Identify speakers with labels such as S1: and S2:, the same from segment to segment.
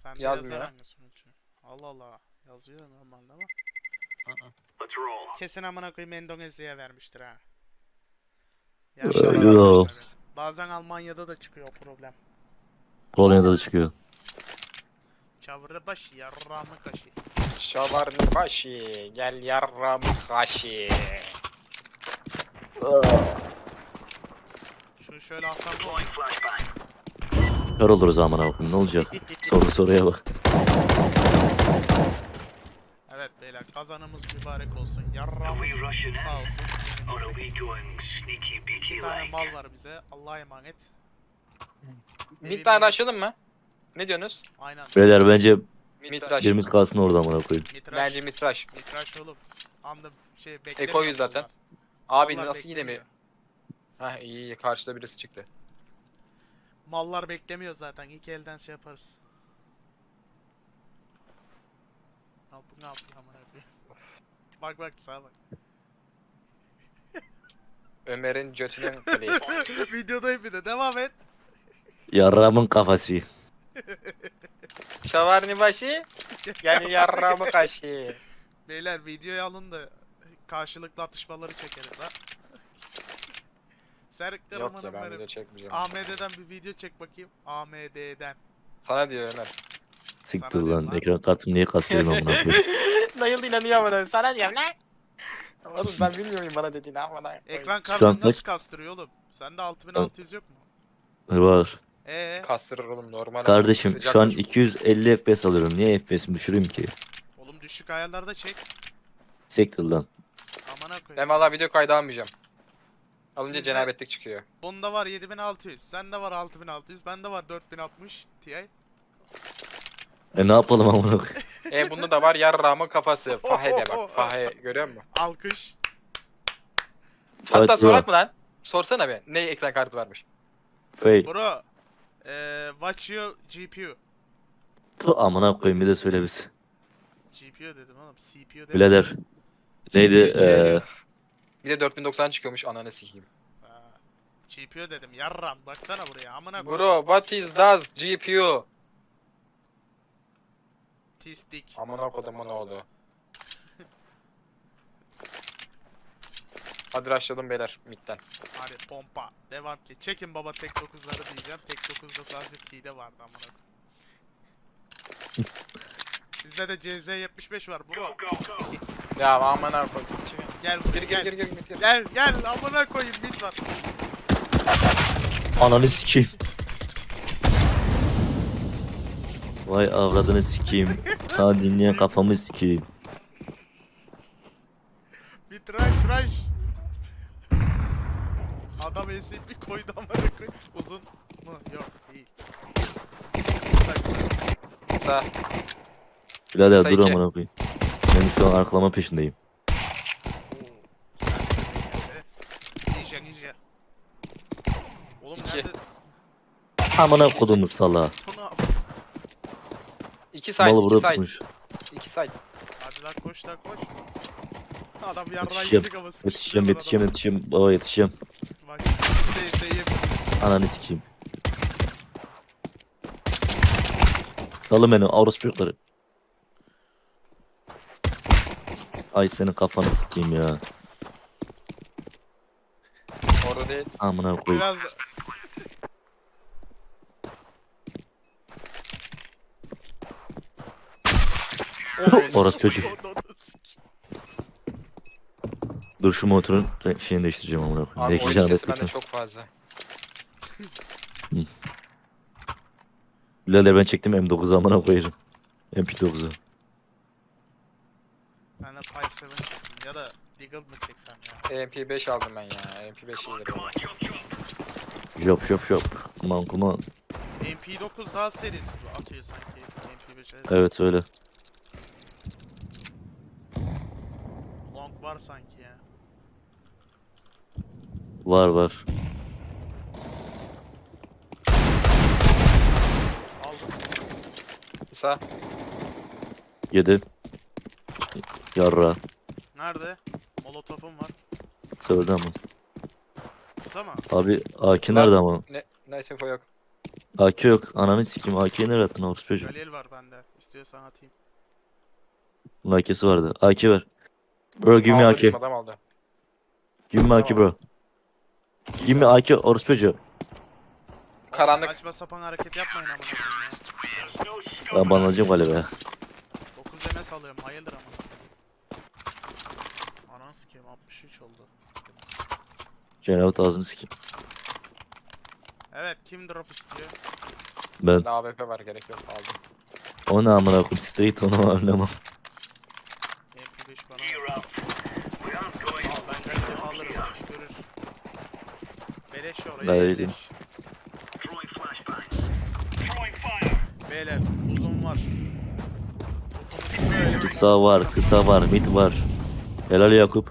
S1: Sen de
S2: Yazmıyor.
S1: yazar hangi sunucu? Allah Allah. Yazıyor normalde ama. Kesin amına koyayım Endonezya'ya vermiştir ha.
S2: İnşallah
S3: Yo.
S2: vermiştir.
S1: Bazen Almanya'da da çıkıyor o problem.
S3: Polonya'da da çıkıyor.
S1: Çavırı başı yarramı kaşı.
S2: Şavarni başı, gel yarramı kaşı.
S1: Şunu şöyle alsam da
S3: Kör oluruz amına koyayım, ne olacak? Soruya bak.
S1: Evet beyler kazanımız mübarek olsun. Yarramız sağ olsun. Bir tane mal var bize. Allah'a emanet.
S2: Bir tane açalım mı? Ne diyorsunuz?
S1: Aynen.
S3: Beyler bence
S2: Mitraş.
S3: birimiz kalsın orada amına koyayım.
S1: Mitraş.
S2: Bence mitraş.
S1: Mitraş oğlum. Anda şey beklemiyor.
S2: Eko'yuz zaten. Abi
S1: Mallar
S2: nasıl yine mi?
S1: beklemiyor.
S2: Hah iyi karşıda birisi çıktı.
S1: Mallar beklemiyor zaten. İlk elden şey yaparız. Ne yapıyor amına koyayım. Bak sağa bak.
S2: Ömer'in götünün kaleyi.
S1: Videodayım bir de devam et.
S3: Yarramın kafası.
S2: Şavarni başı, gel yarramı kaşı.
S1: Beyler videoyu alın da karşılıklı atışmaları çekelim lan. Serk
S2: Yok ya
S1: Karaman'ın
S2: ben video
S1: benim.
S2: çekmeyeceğim.
S1: AMD'den bir video çek bakayım. AMD'den.
S2: Sana diyor Ömer.
S3: Siktir
S1: Sana diyorum
S3: lan.
S1: lan.
S3: Ekran kartını niye kastırıyorsun amına koyayım?
S2: Dayıl inanıyor bana. Sana diyorum lan. Oğlum ben bilmiyorum bana dediğini ama.
S1: Ekran
S3: Şu an
S1: kartını nasıl
S3: kaç?
S1: kastırıyor oğlum? Sende 6600 yok mu?
S3: Var.
S2: Kastırır oğlum normal.
S3: Kardeşim
S2: Sıcak
S3: şu an
S2: çocuk.
S3: 250 FPS alıyorum. Niye FPS'imi düşüreyim ki?
S1: Oğlum düşük ayarlarda çek.
S3: Siktir lan.
S1: Amına
S2: Ben
S1: koyayım.
S2: valla video kaydı almayacağım. Alınca
S1: Sizde-
S2: cenabetlik çıkıyor.
S1: Bunda var 7600. Sende var 6600. Bende var 4060 Ti.
S3: Ne yapalım amına koyayım?
S2: Bunda da var yarramı kafası. Fahe de bak. Fahe görüyor musun?
S1: Alkış.
S2: Hatta
S3: Fight
S2: sorak
S3: bro.
S2: mı lan? Sorsana be. Ne ekran kartı varmış?
S3: Fail.
S1: Bro. Watch your GPU.
S3: Tu amına koyayım, bir de söyle biz.
S1: GPU dedim oğlum. CPU dedim.
S3: Birader. Neydi?
S2: Bir de 4090 çıkıyormuş ananı sikeyim.
S1: GPU dedim. Yarram. Baksana buraya. Amına koyayım.
S2: Bro what is does GPU?
S1: T-stick.
S2: Amına kodumun oğlu. Hadi rushladım beyler midden.
S1: Hadi pompa. Devam ki. Çekin baba tek 9'ları diyeceğim. Tek 9'da sadece T'de vardı amına koyayım. Bizde de CZ75 var bro.
S2: Ya amına kodum.
S1: Gel
S2: Gir
S1: buraya
S2: gir
S1: gel.
S2: gir gir.
S1: Gel amına koyayım bit var.
S3: Ananı sikeyim. Vay avradını sikeyim. Sana dinleyen kafamı sikeyim.
S1: Bit rush. Adam SCP koydu amına koyayım. Uzun mu? Yok değil.
S2: Sağ.
S3: Birader
S2: Sayı
S3: dur
S2: iki.
S3: amına koyayım. Ben şu an arkalama peşindeyim.
S1: Ninja. Oğlum
S2: İki.
S1: nerede?
S3: Amına kodumu sala.
S1: Bunu
S2: İki side.
S3: Malı
S2: İki
S3: burada
S2: side.
S3: tutmuş.
S2: İki side.
S1: hadi lan koş. Adam yarrağı
S3: Yetişeceğim.
S1: yiyecek ama
S3: Yetişeceğim. Baba yetişeceğim.
S1: Bak sevdiğim.
S3: Ananı sikeyim. Salın beni Avros çocukları. Ay senin kafanı sikeyim ya.
S2: Orada değil.
S3: Amına koyayım.
S1: Biraz
S3: Orası çocuk. Dur şu motorun şeyini değiştireceğim amına koyayım.
S2: Abi
S3: Belki
S2: oyun
S3: can
S2: sesi bende
S3: etmesin.
S2: çok fazla.
S3: Birader ben çektim M9'u amına koyarım. MP9'u.
S1: Ben de 5-7 çektim ya da Deagle mı çeksem ya?
S2: MP5 aldım ben ya. MP5 iyidir oğlum.
S3: Şop. Kuman.
S1: MP9 daha serisi bu atıyor sanki. MP5'e.
S3: Evet öyle.
S1: Long var sanki ya.
S3: Var.
S1: Aldım.
S2: Sağ.
S3: 7. Yarra.
S1: Nerede? Molotof'um var.
S3: Sövdü ama.
S1: Kısa mı?
S3: Abi AK nerede ama?
S2: Ne info yok.
S3: AK yok. Ananı sikeyim. AK'yi nereye attın orospu çocuğu?
S1: Galil var bende. İstiyorsan atayım.
S3: Bunun AK'si vardı. AK ver. Bro give me
S2: Aldı
S3: AK.
S2: bizim adam aldı.
S3: Give me AK bro. Give me AK orospu çocuğu.
S2: Karanlık.
S1: Saçma sapan hareket yapmayın amına koyayım ya.
S3: Ben banlanacağım galiba ya.
S1: 9 MS alıyorum. Hayırdır amına koyayım. Ananı sikeyim 63 oldu.
S3: Cenab-ı ağzını sikeyim.
S1: Evet kim drop istiyor?
S3: Ben.
S2: Daha AWP var, gerek yok, aldım.
S3: O ne amına koyayım. Straight onu oynamam.
S1: MP5 bana ver. Al ben Galil'i alırım. Görür. Beleş oraya.
S3: Ben
S1: beleş.
S3: vereyim.
S1: Beyler uzun var. Uzun şöyle.
S3: Kısa var. Kısa var. Mid var. Helal Yakup.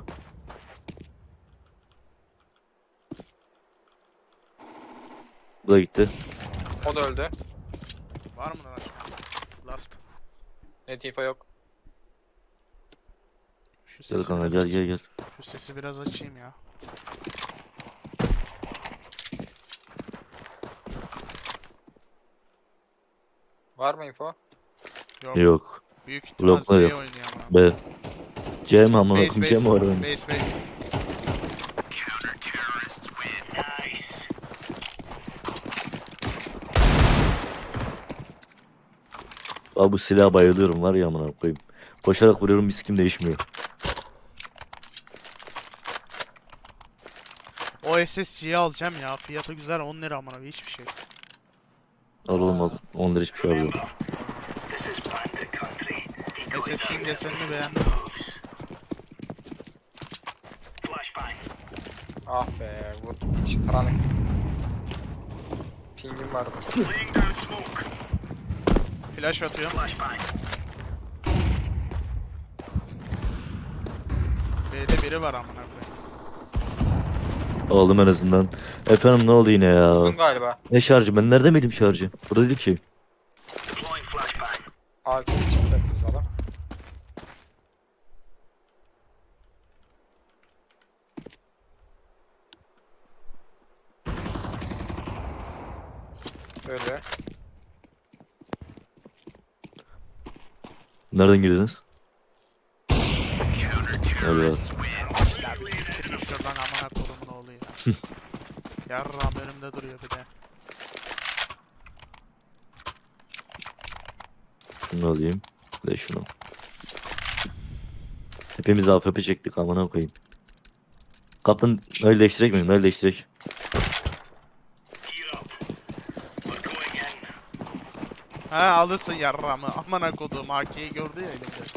S3: Bu da gitti.
S2: O da öldü.
S1: Var mı lan? Last.
S2: Net info yok.
S1: Şu
S3: Gel
S1: sesi
S3: kanka
S1: biraz
S3: gel
S1: açayım.
S3: gel gel.
S1: Şu sesi biraz açayım ya.
S2: Var mı info?
S1: Yok.
S3: Yok.
S1: Büyük ihtimal
S3: Bloklar
S1: şey
S3: yok.
S1: oynuyor ama.
S3: B. C mi amına
S1: Base
S3: koyayım? C mi var oyunda?
S1: base. Base.
S3: Abi bu silaha bayılıyorum var ya amına koyayım. Koşarak vuruyorum bir sikim değişmiyor.
S1: O SSG'yi alacağım ya. Fiyatı güzel 10 lira amına hiçbir şey.
S3: Al oğlum al. 10 lira hiçbir şey alıyorum.
S1: SSG'nin desenini beğendim.
S2: Ah be, vurdum. Hiç karanlık. Pingim vardı.
S1: Flash atıyorum. B'de biri var amına koyayım.
S3: Aldım en azından. Efendim ne oldu yine ya?
S2: Uzun galiba.
S3: Ne şarjı? Ben nerede miydim şarjı? Burada değil ki.
S2: AK çıktı biz adam. Öyle.
S3: Nereden girdiniz? Öyle ya.
S1: Ya bir siktir git şuradan amına koyayım ne oluyor ya. Yarram önümde duruyor bir de.
S3: Şunu alayım. Ve şunu. Hepimiz AFP çektik amına koyayım. Kaptan öyle değiştirek mi? Öyle değiştirek.
S1: Ha alırsın yarramı. Amına koduğum AK'yi gördü ya elimde.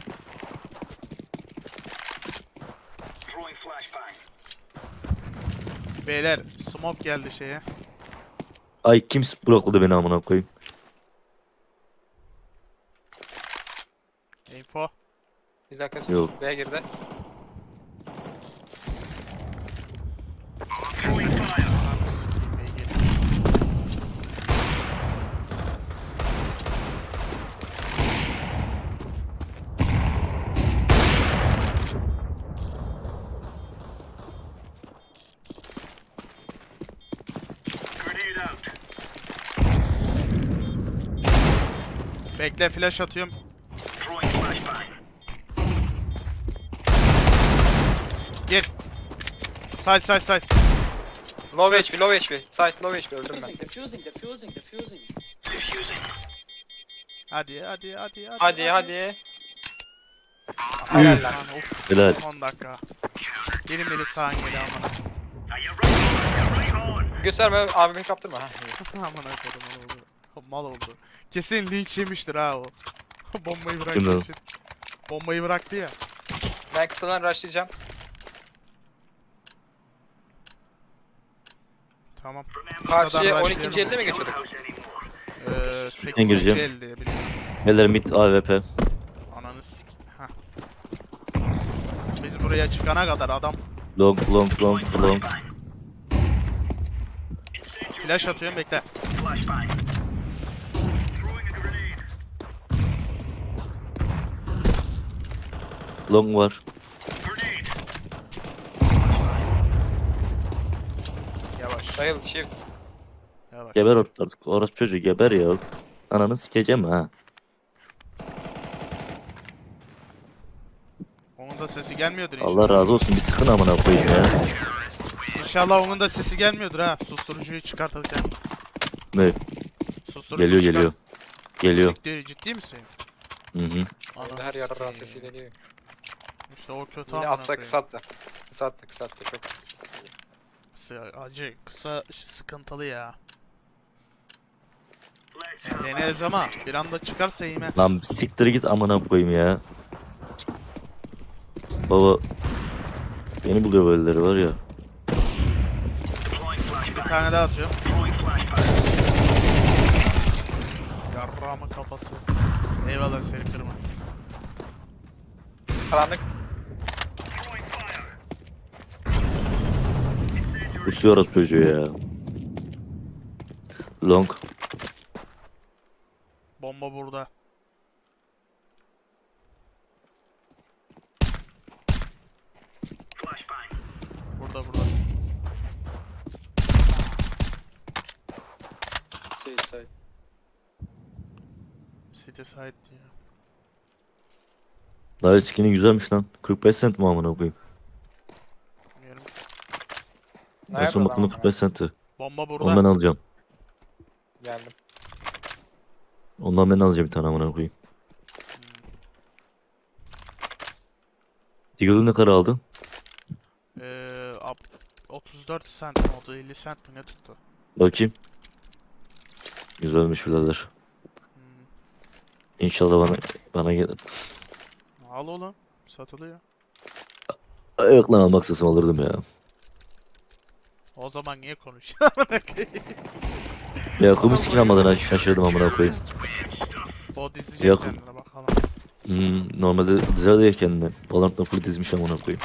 S1: Beyler smoke geldi şeye.
S3: Ay kim blokladı beni amına koyayım?
S1: Info.
S2: Bir dakika.
S3: Yok.
S2: B'ye girdi.
S1: Ananı sikeyim, B'ye geldi. Bekle flash atıyorum. Gir. Side.
S2: Low HP, low HP. Site low HP, öldüm ben.
S4: Defusing.
S1: Hadi.
S2: Hadi.
S3: Üf.
S2: Lan.
S1: Of.
S3: Helal.
S1: 10 dakika. Benim beni sağın geli amına.
S2: Gösterme abimi kaptırma. Ha.
S1: Amına koydum onu oldu. Mal oldu. Kesin linç yemiştir ha o. Bombayı
S3: Kim
S1: bıraktı
S3: lan?
S1: için. Bombayı bıraktı ya.
S2: Ben kısadan rushlayacağım.
S1: Tamam.
S2: Karşıya
S1: Kısadan
S2: 12. elde mi geçiyorduk?
S1: 8.
S3: gireceğim.
S1: el diye biliyorum.
S3: Heller mid AWP.
S1: Ananı sik. Hah. Biz buraya çıkana kadar adam
S3: Long.
S1: flash atıyorum bekle.
S3: Long var.
S1: Yavaş.
S2: Sayıl shift.
S1: Yavaş.
S3: Geber artık. Orası çocuğu geber ya. Ananı sikeceğim ha.
S1: Onun da sesi gelmiyordur inşallah.
S3: Allah razı olsun bir sıkın amına koyayım ya.
S1: İnşallah onun da sesi gelmiyordur ha. Susturucuyu çıkartırken.
S3: Ne?
S1: Susturucu
S3: Geliyor
S1: çıkart-
S3: geliyor. Geliyor.
S1: Siktir, ciddi misin?
S3: Hı hı.
S1: Ananı
S2: Her yerde
S1: sikeyim.
S2: rahat sesi geliyor.
S1: İşte o kötü
S2: Yine
S1: amına
S2: atsa
S1: koyayım.
S2: kısalttı. Kısalttı çok.
S1: Acı kısa sıkıntılı ya. Deneriz ama bir anda çıkarsa yeme.
S3: Lan siktir git amına koyayım ya. Baba beni buluyor böyleleri var ya.
S1: Bir tane daha atıyorum. Yarrağımın kafası. Eyvallah seni kırma.
S2: Karanlık.
S3: Kusuyor orası çocuğu ya. Long.
S1: Bomba burada. Burada.
S2: Şey.
S1: City side diyor.
S3: Daha skin'i güzelmiş lan. 45 cent mi amına koyayım?
S1: Bilmiyorum.
S3: En son baktığımda 45 centti.
S1: Bomba burada.
S3: Ondan alacağım.
S2: Geldim.
S3: Ondan ben alacağım bir tane amına koyayım. Deagle'ı ne kadar aldın?
S1: 34 cent mi oldu? 50 cent mi ne tuttu?
S3: Bakayım. Güzelmiş birader.
S1: Hmm.
S3: İnşallah bana gelir.
S1: Al oğlum. Satılıyor.
S3: Yok lan almak istesem alırdım ya.
S1: O zaman niye konuşuyorsun?
S3: Ya kum skin almadığına şaşırdım amına koyayım.
S1: O dizecek
S3: Yok.
S1: kendine bakalım.
S3: Normalde dizer diye kendine. Valorant'ta full dizmiş amına koyayım.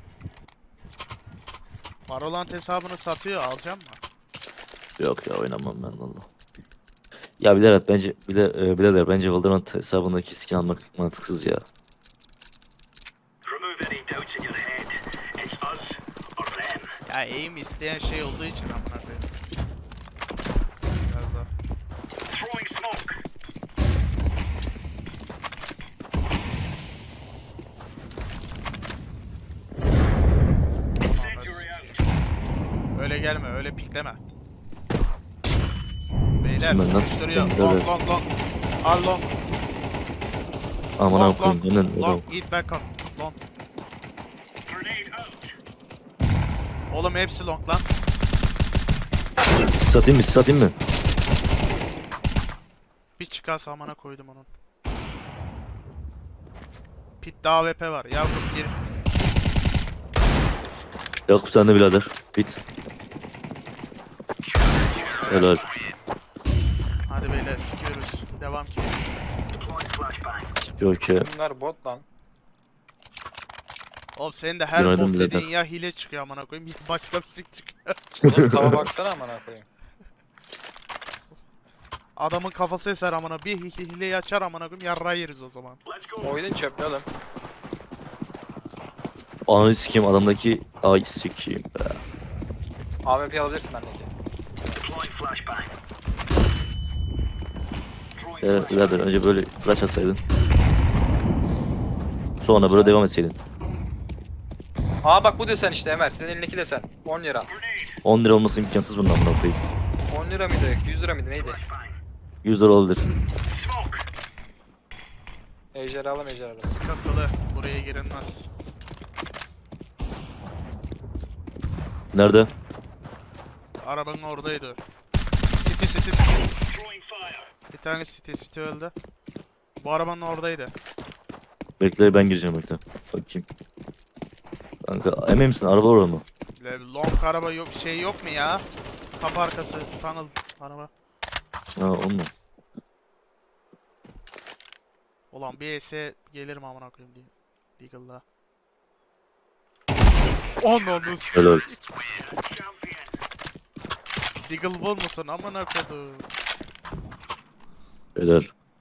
S1: Valorant hesabını satıyor, alacağım mı?
S3: Yok ya oynamam ben valla. Ya birader bence Valorant hesabındaki skin almak mantıksız ya.
S1: Ya aim isteyen şey olduğu için amına koyayım. Biraz daha. Öyle gelme, öyle pikleme. Beyler
S3: Şimdi ben nasıl
S1: sıkıştırıyor.
S3: pikleyeyim
S1: Long
S3: birader?
S1: long long. Al long.
S3: Amına
S1: Long
S3: koyayım
S1: long.
S3: hemen
S1: Long. Git back on. Long. Oğlum hepsi long lan.
S3: satayım mı?
S1: Bir çıkarsa amına koydum onun. Pit'te AWP var. Yakup gir.
S3: Yok sen de birader. Bit. Helal.
S1: Hadi beyler sikiyoruz. Devam ki.
S3: Yok ya.
S2: Bunlar bot lan.
S1: Oğlum senin de her
S3: Günaydın
S1: bot
S3: birader.
S1: dediğin ya hile çıkıyor amına koyayım. Ya başka bir sik çıkıyor.
S2: Oğlum tava baksana amına koyayım.
S1: Adamın kafası eser amına. Bir hileyi açar amına koyayım. Yarra yeriz o zaman.
S2: Oyunun çöplü oğlum.
S3: Ananı sikeyim adamdaki ay sikeyim be.
S2: AWP alabilirsin bendeki.
S3: Birader önce böyle flash atsaydın. Sonra böyle devam etseydin.
S2: Aa bak bu desen işte Ömer. Senin elindeki desen. 10 lira.
S3: 10 lira olması imkansız bundan amına koyayım.
S2: 10 lira mıydı? 100 lira mıydı? Neydi?
S3: 100 lira olabilir.
S2: Ejderhalı.
S1: Sıkıntılı. Buraya girilmez.
S3: Nerede?
S1: Arabanın oradaydı. City. Bir tane City öldü. Bu arabanın oradaydı.
S3: Bekle ben gireceğim bekle. Bakayım. Kanka emin misin araba orada mı?
S1: Long araba yok şey yok mu ya? Kapı arkası tunnel araba.
S3: Ha o mu?
S1: Ulan bir ES gelirim amına koyayım diye. Deagle'la. Ananı s-
S3: Helal.
S1: Deagle bol musun amına koydum.
S3: Helal.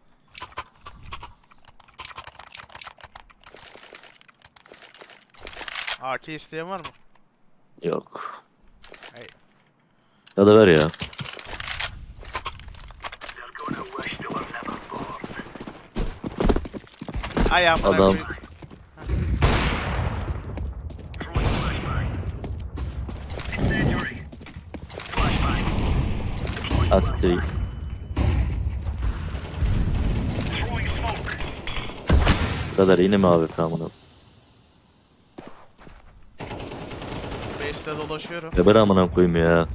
S1: AK isteyen var mı?
S3: Yok.
S1: Hayır.
S3: Ya da ver ya.
S1: Ay amına
S3: Adam.
S1: koyayım.
S3: Astri. Bu kadar yine mi abi amına?
S1: Base'de dolaşıyorum.
S3: Geber amına koyayım ya.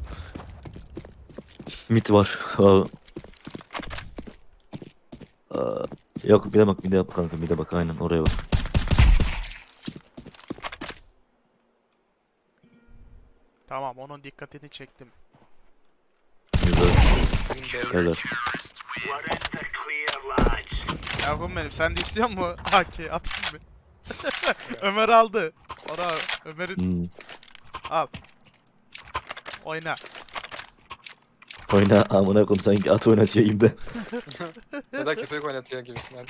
S3: Mit var. Yok bir de bak, bir de bak kanka, bir de bak, aynen oraya bak.
S1: Tamam, onun dikkatini çektim.
S3: Güzel. Helal.
S1: Yavrum benim, sen de istiyor musun? Haki atayım mı? Ömer aldı. Ona Ömer'in
S3: Hmm.
S1: al. Oyna.
S3: Oyna amına koyayım, sanki at oynatıyor gibi.
S2: Ya da köpek oynatıyor gibisinden.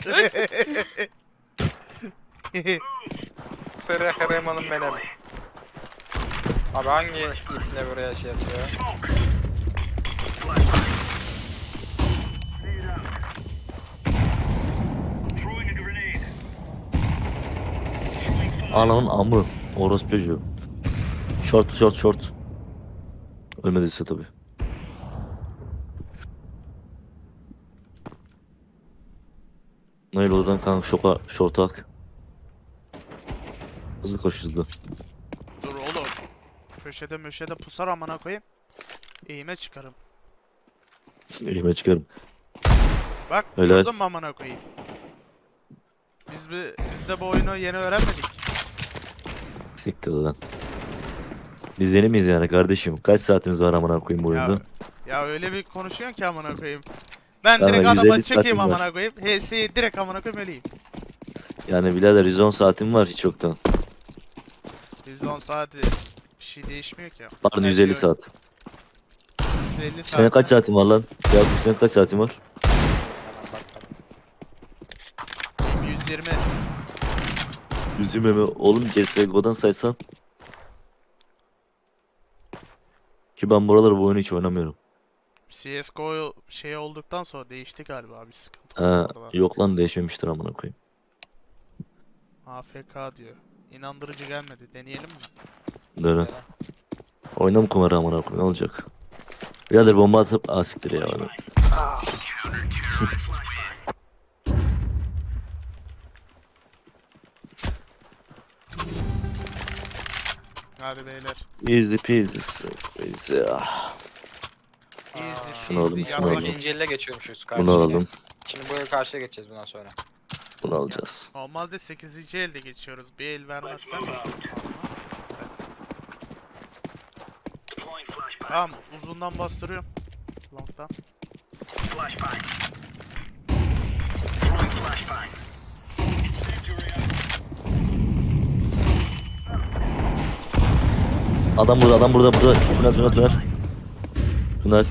S2: Sırrı Kahraman'ın benim. Abi hangi ipne buraya şey atıyor?
S3: Ananın amı. Orospu çocuğu. Short short short. Ölmediyse tabi. Nail oradan kanka short'a ak. Hızlı koş hızlı.
S1: Dur oğlum. Köşede pusar amına koyayım. Eğime çıkarım.
S3: Elime çıkarım.
S1: Bak
S3: Helal.
S1: gördün mü amına koyayım. Biz de bu oyunu yeni öğrenmedik.
S3: Siktir lan. Biz yeni miyiz yani kardeşim? Kaç saatimiz var amına koyayım bu
S1: Ya,
S3: oyunda?
S1: ya öyle bir konuşuyorsun ki amına koyayım. Ben
S3: Tamam,
S1: direkt
S3: 150
S1: adama çekeyim
S3: saatim var.
S1: amına koyayım. HS'yi direkt amına koyayım öleyim.
S3: Yani birader 110 saatim var hiç yoktan.
S1: 110 saat bir şey değişmiyor ki.
S3: Pardon
S1: Her
S3: 150
S1: şey
S3: saat.
S1: 150
S3: Senin
S1: saat.
S3: kaç saatin var lan? Ya senin kaç saatin var?
S2: Hemen bakalım.
S1: 120.
S3: 120 mi? Oğlum CSGO'dan saysan. Ki ben buraları bu oyunu hiç oynamıyorum.
S1: CSGO şey olduktan sonra değişti galiba bir sıkıntı
S3: Ha,
S1: oldu orada.
S3: yok lan değişmemiştir amına koyayım.
S1: AFK diyor. İnandırıcı gelmedi. Deneyelim mi?
S3: Dönen. Oyna mı kumarı amına koyayım, ne olacak? Birader bomba atıp asiktir ya bana.
S1: Hadi beyler.
S3: Easy peasy. Easy. Ah.
S1: Easy,
S3: Şunu alalım,
S1: easy,
S3: şunu
S1: yapma.
S3: alalım.
S2: İkinci elle geçiyormuşuz
S3: Bunu
S2: karşıya.
S3: alalım.
S2: Şimdi bu karşıya geçeceğiz bundan sonra.
S3: Bunu alacağız.
S1: Normalde 8. elde geçiyoruz. Bir el vermezsen. Sen. Tamam, uzundan bastırıyorum. Long'dan.
S3: Adam burada, adam burada, burada. Tünel. Tünel.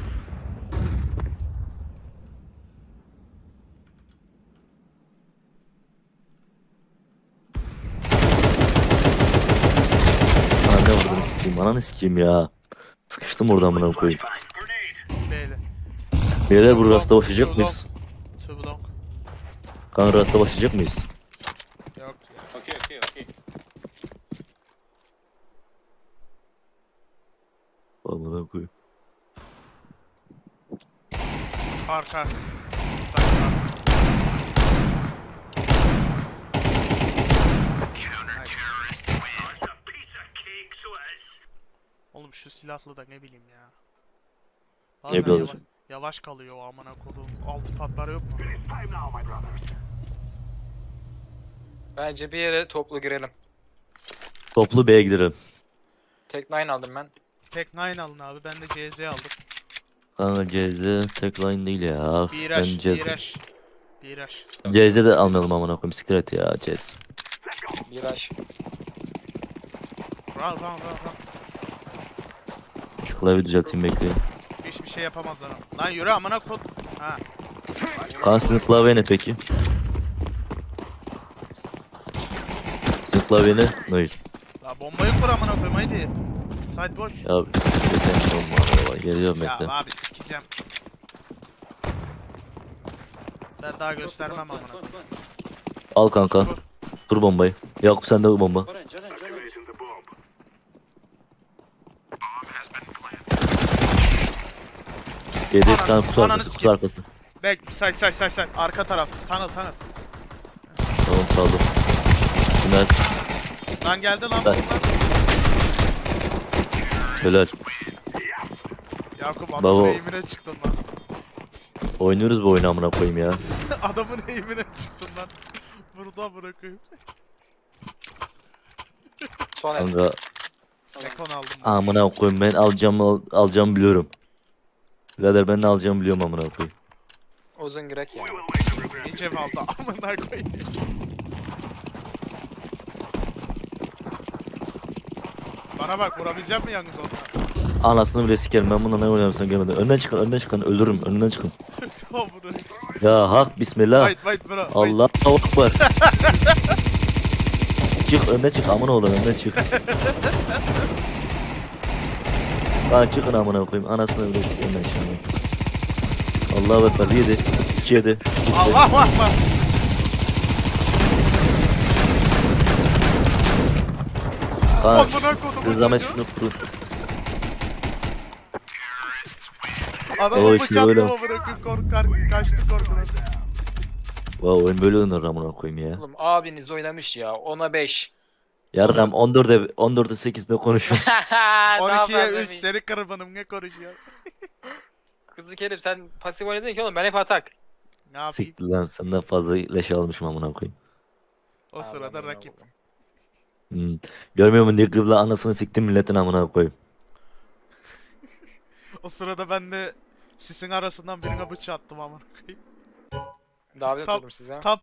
S3: Ananı sikeyim ya. Sıkıştım oradan amına koyayım.
S1: Beyler.
S3: Beyler bu rasta başlayacak mıyız?
S1: Too long.
S3: Kanka rasta başlayacak mıyız?
S1: Yok ya.
S2: Okay.
S3: Amına koyayım.
S1: Arka. Sakla. Oğlum şu silahlı da ne bileyim ya. Bazen
S3: bileyim.
S1: yavaş kalıyor o amına kodum. Altı patlar yok mu?
S2: Bence bir yere toplu girelim.
S3: Toplu B'ye gidelim.
S2: Tek 9 aldım ben.
S1: Tek 9 alın abi. Ben de CZ aldım.
S3: Kanka CZ tek line değil ya.
S1: Bir
S3: Ben
S1: rush,
S3: CZ.
S1: bir rush.
S3: CZ de almayalım amına koyayım. Siktir et ya CZ.
S2: Viraj.
S1: Run.
S3: Şu klavye düzelteyim, bekleyin.
S1: Hiçbir şey yapamaz lan. Lan yürü amına kod. Ha.
S3: Kanka sizin klavye ne peki? Sizin klavye ne? Nail.
S1: La bombayı kur amına koyayım haydi. Side boş.
S3: Ya bekle. Geliyorum
S1: Ya
S3: bekle.
S1: abi sikeceğim. Ben daha göstermem amına.
S3: Al kanka. Kur bombayı. Yakup sende bu bomba. Yedi
S1: Ananı-
S3: tane kutu
S1: ananı
S3: arkası, kutu
S1: sikeyim.
S3: arkası.
S1: Bek say. Arka taraf. Tunnel.
S3: Tamam saldım. Tünel.
S1: Lan geldi lan
S3: Ben-
S1: bunlar.
S3: Helal.
S1: Yakup
S3: Baba.
S1: adamın eğimine çıktın lan.
S3: Oynuyoruz bu oyunu amına koyayım ya.
S1: Adamın eğimine çıktın lan. Burada bırakayım.
S2: Son el.
S3: Kanka
S1: Ekon aldım.
S3: amına koyayım ben alacağımı biliyorum. Birader ben ne alacağımı biliyorum amına koyayım.
S2: Uzun girek ya.
S1: İyice aldı. Amına koyayım. Bana bak vurabilecek mi yalnız onunla?
S3: Anasını bile sikerim ben bununla ne oynarım sen gelmeden. Önden çıkın ölürüm önünden çıkın.
S1: Amına.
S3: Ya hak bismillah.
S1: Wait bro. Wait.
S3: Allah akbar. Çık önden çık amına oğlum önden çık. Lan çıkın amına koyayım anasını bile sikerim ben şimdi. Allahu ekber 7 2 7.
S1: Allah Allah.
S3: Kaan
S1: Amına kodumun
S3: siz zahmet
S1: çocuğu.
S3: şunu kurun.
S1: Adamı
S3: O işte öyle.
S1: bıçaklama bırakıp kaçtı korkudan.
S3: Vay oyun böyle oynanır amına koyayım ya.
S2: Oğlum abiniz oynamış ya. 10'a 5.
S3: Yarram 14'e 8'de konuşun.
S1: 12'ye 3 seni kırbanım ne konuşuyor?
S2: Kızı Kerim sen pasif oynadın ki oğlum ben hep atak.
S1: Ne yapayım?
S3: Siktir lan senden fazla leş almışım amına koyayım.
S1: O sırada rakip.
S3: Görmüyor musun diye kıbla anasını siktim milletin amına koyayım.
S1: O sırada ben de sisin arasından birine bıçağı attım amına koyayım.
S2: Davet
S1: Tam-
S2: atıyordum size.
S1: Tam